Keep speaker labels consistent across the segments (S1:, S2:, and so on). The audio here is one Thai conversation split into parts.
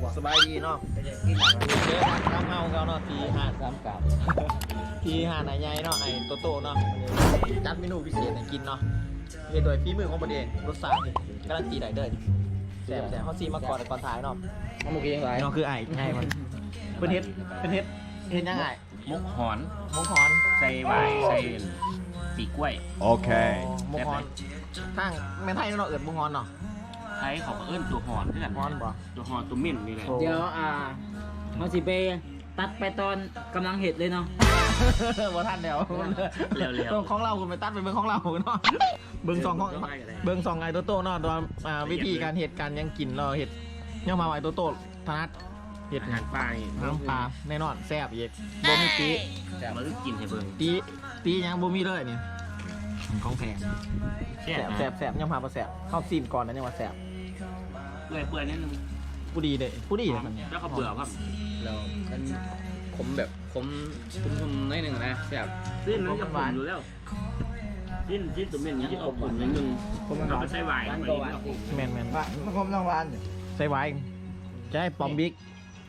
S1: สบายดีเนาะเยอะตามเฮาเขาเนาะทีหาดสามกับทีหาดไหนใหญ่เนาะไอ้โตเนาะจัดเมนูพิเศษให้กินเนาะเฮ็ดโดยฝีมือของประเด็นรสชาติการันตีได้เด้อแซ่บเขาซีมาก่อนถ่ายเนาะมันมุกยังไงเนาะคือไอ้ไงมันเป็นเฮ็ดยังไง
S2: มุกหอน
S1: มุกฮอน
S2: ใส่ใบใส่ปีกล้วย
S1: โอเคมุกฮอนทางแม่ไทยเนาะเอิ้นมุกฮอนเนาะ
S2: ไทยเขาก็เอิ้นตัวหอนด้วยกัน
S1: ฮอนบ่
S2: ตัวหอนตัวมิ่นนี่แหละ
S3: เดี๋ยวเขาสิไปตัดไปตอนกำลังเห็ดเลยเนาะ
S1: บ่ทันแล้ว
S2: เร็ว
S1: ของเราคุณไปตัดไปเบิ่งของเราเนาะเบิ่งสองของเบิ่งสองไอ้โตเนาะตอนวิธีการเฮ็ดการยังกินเราเฮ็ดยังมาไอ้โตถนัดเฮ็ด
S2: อาหารปลานี่
S1: น้ำปลาแน่นอนแซ่บอีกบ่มีตี
S2: แต่มาลึกกินให้เบิ่ง
S1: ตียังบ่มีเลยนี่ของแพง
S2: แซ่
S1: แซ่บยังพาบ่แซ่บเข้าซีมก่อนนะยังว่าแซ่บ
S2: เปื่อยนิดนึง
S1: ผู้ดีเลยผู้ดีเลยมัน
S2: แล้วก็เบื่อครับ
S4: เรามันขมแบบขมน้อยหนึ่งนะแบบ
S2: สิ้นมันจะหวานอยู่แล้วสิ้นตัวมิ่นนี่จะเอาปุ่นนิดนึงเราไปใส่ใบ
S1: แม่น
S4: ว่ามันขมรางวัล
S1: ใส่ไว้จะให้ปอมบิ๊ก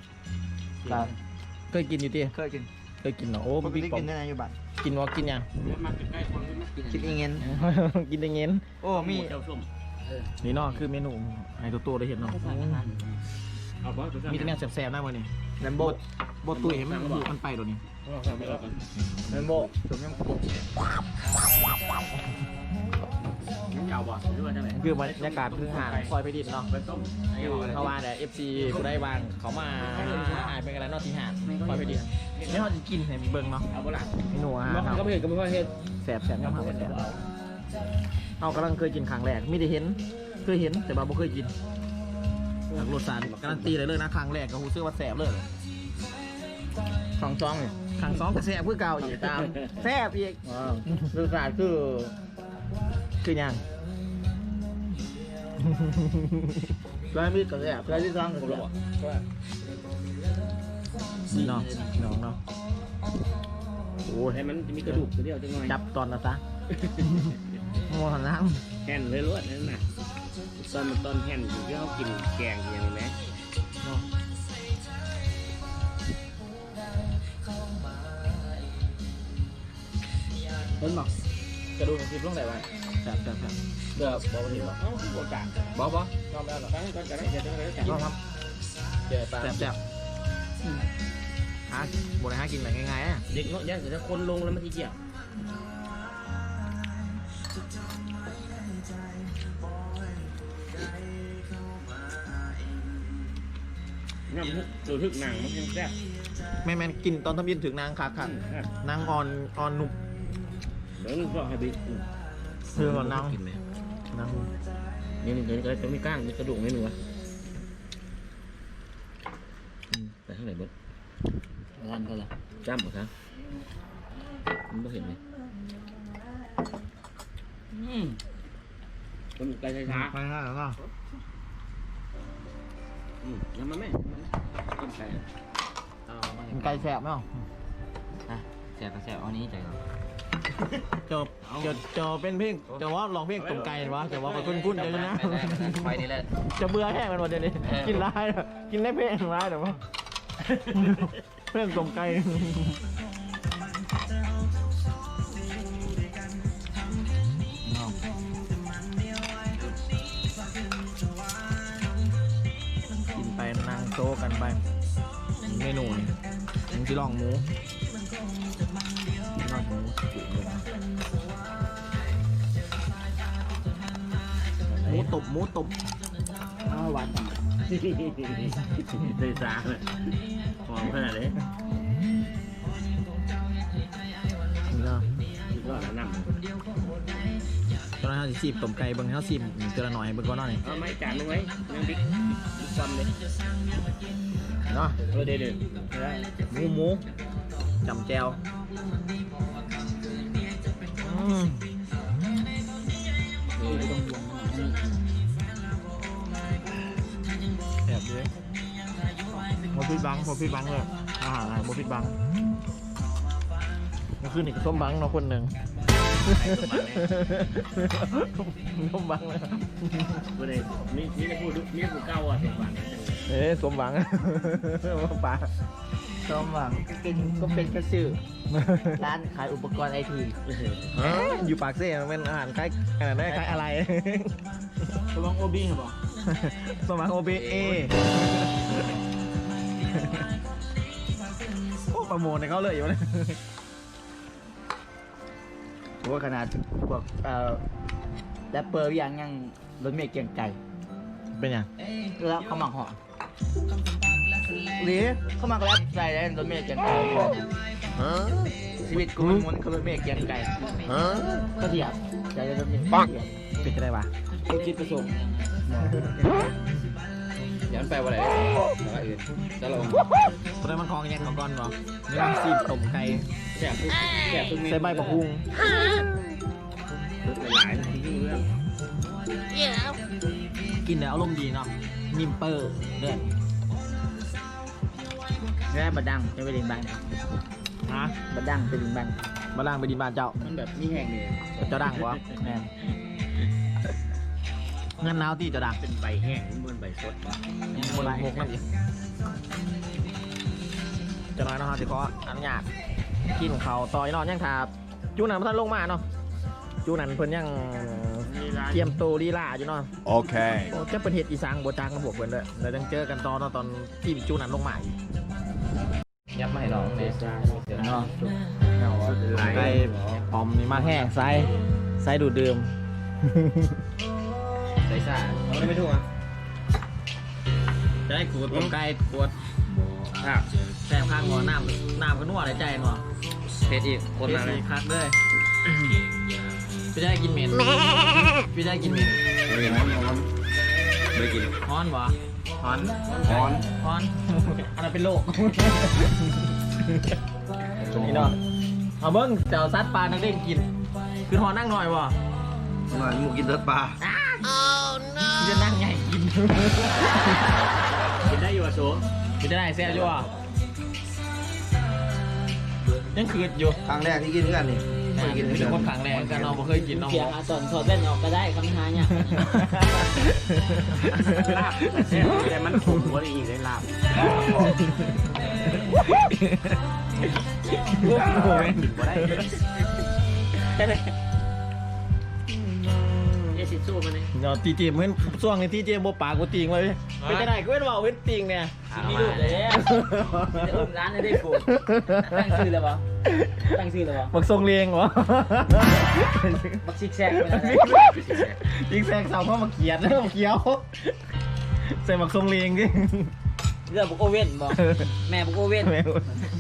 S1: เคยกินอยู่ติ
S4: เคยกิน
S1: เคยกินเนาะโอ้บิ๊กปอม
S4: กินได้อยู่บ้าน
S1: กินว่ากินยัง
S2: มาใกล้ๆคนที่ไม่กิน
S4: กินเงิน
S1: กินได้เงิน
S4: โอ้มี
S2: เจ้าส้ม
S1: นี่เนาะคือเมนูไอ้ตัวได้เห็นเนาะ
S2: เอาบ่
S1: มีแต่แนวแซ่บๆนะมื้อนี้
S4: แลมโบ
S1: บ่ตุ้ยให้มันบุมันไปตัวนี้
S4: แลมโบสมยัง
S2: เก่าบ่หรือว่าจังได๋
S1: คือบรรยากาศคือหาดซอยไปดินเนาะ
S2: ไปต้ม
S1: เขาว่าแต่ FC ผู้ได้วางเขามาหายไปกันแล้วเนาะที่หาดซอยไปดินนี่เขาจะกินให้เบิ่งเนาะ
S2: เอาบ่ล่ะ
S1: เมนูอาหาร
S4: ก็
S1: เขา
S4: ไม่เห็นก็ไม่ค่อยเห็น
S1: แซ่บๆยังหาแซ่บเอากำลังเคยกินครั้งแรกไม่ได้เห็นเคยเห็นแต่ว่าบ่เคยกินรสชาติการันตีเลยนะครั้งแรกก็รู้สึกว่าแซ่บเลย
S4: สองช่องเนี่ย
S1: ครั้งสองก็แซ่บคือเก่าอีกตามแซ่บอีก
S4: รสชาติคือ
S1: คือยัง
S4: ร้านมีกระแสร้านที่สร้างกระแส
S1: นี่เนาะน้องเนาะโอ้ย
S2: ให้มันมีกระดูกเดียวจังหน่อย
S1: จับตอนนะซะโม่หันน้
S2: แห่นเลยรวดนั่นน่ะตอนแห่นอยู่ที่เขากินแกงอย่างนี้ไหม
S1: ำเนาะเห็นบ่กระดูกมันคิดลงไหนวะแซ่บ
S4: เดือบบอกว่าดีว่า
S2: เอ้าโอกาส
S4: บอกบอก
S2: ยอมแล้วหรอตั้งก็จะได้จะได้
S1: ๆครับ
S4: เจอปลา
S1: แซ่บหาบ่ได้หากินแบบง่ายๆอ่ะ
S2: เด็กเนาะยังจะคนลงแล้วมันทีเกี่ยวน้ำทึกหนังมันยังแซ่บ
S1: แม่นกินตอนทำยินถึงนางคักนางอ่อนนุ่ม
S2: เดี๋ยวนึกว่าให้บิ๊ก
S1: เพื่อนนาง
S2: กินไหม
S1: นาง
S2: นี่เดี๋ยวจะมีก้างมีกระดูกไม่หนูวะแต่เท่าไหร่เบิด
S4: ร้านก็ละ
S2: จ้ำหมดครับมันไม่เห็นไหมคนไกลช้า
S1: ไปแล้วก็
S2: น้ำมันไหมต้นไก่
S1: ไก่แซ่บไหม
S4: แสบก็แสบเอานี้ใจก่อน
S1: จะเป็นเพลงจะว่าลองเพลงตรงไก่วะจะว่าคนคุ้นๆจะนะ
S4: ไปนี่แหละ
S1: จะเบื่อแห้งมันวันเดียวนี้กินร้ายกินได้เพลงร้ายแต่ว่าเพลงตรงไก่กินไปนั่งโต๊ะกันไปเมนูนี่ยังที่ลองหมูลองหมูหมูตบ
S4: หวานต่าง
S2: เลยจ้าเลยหอมขนาดนี้
S1: นี่ก็
S2: คิดว่าน้ำ
S1: ตอนนั้นเขาสิบต้มไก่เบิ่งเขาสิบเจอละหน่อยเบิ่งก่อนหน่อย
S2: เอาไม่จานนึงไว้ยังบิ๊กซ้ำเลย
S1: เนาะ
S2: เดี๋ยว
S1: หมูจำแจวแบบนี้โมพิดบังเลยอาหารอะไรโมพิดบังนี่คือนี่ก็ส้มบังเนาะคนหนึ่งส้มบังเลย
S2: วันนี้มีได้พูดมีผู้เก่าอ่ะเด็กวัน
S1: สมหวัง ป่า
S3: สมหวังก็เป็นกระสือร้านขายอุปกรณ์ไอที
S1: อยู่ปากเซ่เป็นอาหารคล้ายอะไรคล้ายอะไร
S3: สมหวังโอบีเหรอ
S1: สมหวัง OBA โอ้ประโมทในเขาเลยอยู่เลย
S3: ว่าขนาดพวกแรปเปอร์ยังรถเมล์เกียงไก่
S1: เป็นยัง
S3: แล้วเขาหมักห่อหรือเขาหมักแรปใส่ได้รถเมล์เกียงไก่ชีวิตกูมันม้วนคือรถเมล์เกียงไก่ก็เถียบใจรถเมล์เกียงไก่
S1: เป็นจะได้ปะ
S3: กูคิดประสงค์
S4: ย้อนไปว่าอะไรแล้วอื่นจะลง
S1: ตอนนั้นมันคลองยังของก้อนบ่ไม่ต้องซีบต้มไก่
S2: แซ่บทุกเมนู
S1: ใส่ใบมะฮุง
S2: หลายๆที่เรื่อง
S1: กินแล้วอารมณ์ดีเนาะนิมเปอร์เด้อ
S3: แรปบะดังจะไปดินบ้าน
S1: ฮะ
S3: บะดังไปดินบ้าน
S1: มาล่างไปดินบ้านเจ้า
S2: มันแบบมีแห้งเลย
S1: เจ้าดังวะ
S3: แม่
S1: เงินหนาวตีเจ้าดัง
S2: เป็นใบแห้งเหมือนใบสด
S1: คนละหกนั่นเองจะน้อยเนาะฮะสิขออนุญาตกินของเขาต่อยนอนยังถาจูนันท่านลงมาเนาะจูนันเพิ่นยัง
S2: มีร้าน
S1: เตรียมตัวลีลาอยู่เนาะ
S5: Okay.
S1: โอ้จะเป็นเห็ดอีสานโบจางกับพวกเพิ่นเลยเดี๋ยวต้องเจอกันตอนตอนที่จูนันลงมาอีก
S4: ยับมาให้น้องเบส
S3: เนาะ
S1: ไก่ปอมนี่มาแห้งไซดูดดื่ม
S4: ใส่ซ่าเราไม่ถูกอ่ะ
S1: จะได้ขูดต้มไก่ขวดแซ่บข้างหัวน้ำก็นัวในใจเนาะ
S4: เพชรอีกคนมาเลย
S1: คักเลยพี่ได้กินเหม็นพี่ได้กินเหม็น
S4: ไม่กิน
S1: ฮ้อนบ่
S2: ฮ้อน
S1: ฮ้อนอันนั้นเป็นโรคนี่เนาะเอาเบิ้งเจ้าซัดปลานักเด้งกิน คือฮอนนั่งหน่อยบ่
S2: หน่อยมูกินเลือดปลา
S1: พี่จะนั่งใหญ่กิน
S2: กินได้อยู่อ่ะโซ
S1: พี่จะได้แซ่บอยู่บ่ยังคืดอยู่
S2: ครั้งแรกที่กินกันนี่
S1: กินเป็นคนขังแรงกันเนาะบ่เคยกินเนาะ
S3: เพียงอาสอนถอดแว่นออกก็ได้คำท้าเนี่ย
S2: ลาบแต่มันขมกว่าอีกเลยลาบ
S1: โอ้โห
S2: กินบ่ได้เอซิสู้มาเนี่ย
S1: เนาะตีเจมเหมือนช่วงนี้ตีเจมบ่ปากกูติงไว้เป็นจังได๋กูเว้นว่าเว้นติงเนี่ย
S3: มีลูกเลยจะอุ้มร้านให้ได้กูตั้งชื่อเลยปะตั้งชื่อเลยปะ
S1: บักทรงเลียงวะ
S3: บักซิกแซกไปเลย
S1: ยิงแซงเสาเพราะมาเขียนแล้วมาเขียวใส่บักทรงเลียงดิ
S3: เรื่องบุกโอเว่นบอกแม่บุกโอเว่น
S1: แม่ง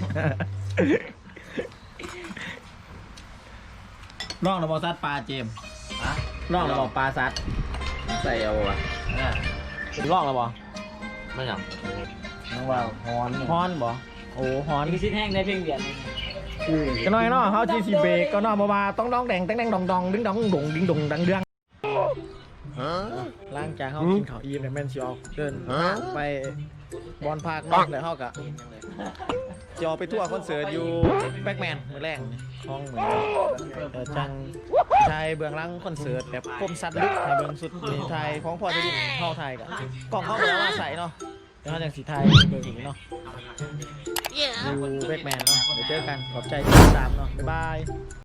S1: ลองระบอซัดปลาเจมลองระบอปลาซัด
S4: ใส่เอาวะ
S1: ลองระบอ
S4: ไม่หยัง
S3: น้องว่าฮอน
S1: ฮอนบ่โอ้ฮอน
S3: นี่คือชิ้นแห้งได้เพียงเดียว
S1: ก็น้อยเนาะเขาจีซีเบรกก็เนาะบ่ว่าต้องดองแดงแตงแดงดองดองดึงดองดงดึงดงดังเดืองล่างจากเขากินข้าวอิ่มเนี่ยแม่นสิออกเดินไปบอลพาร์คเนาะแล้วเขากะจะออกไปทั่วคอนเสิร์ตอยู่แบ็กแมนมือแรกห้องเหมือนจังไทยเบื้องหลังคอนเสิร์ตแบบคมสัตว์ลึกไทยเบื้องสุดมีไทยของพอจะดินเข้าไทยกะกล่องเข้าไปแล้วมาใส่เนาะแล้วเขาจังสีไทยเบื้องอีกเนาะอยู่แบ็กแมนเนาะเดี๋ยวเจอกันขอบใจที่ติดตามเนาะบ๊ายบาย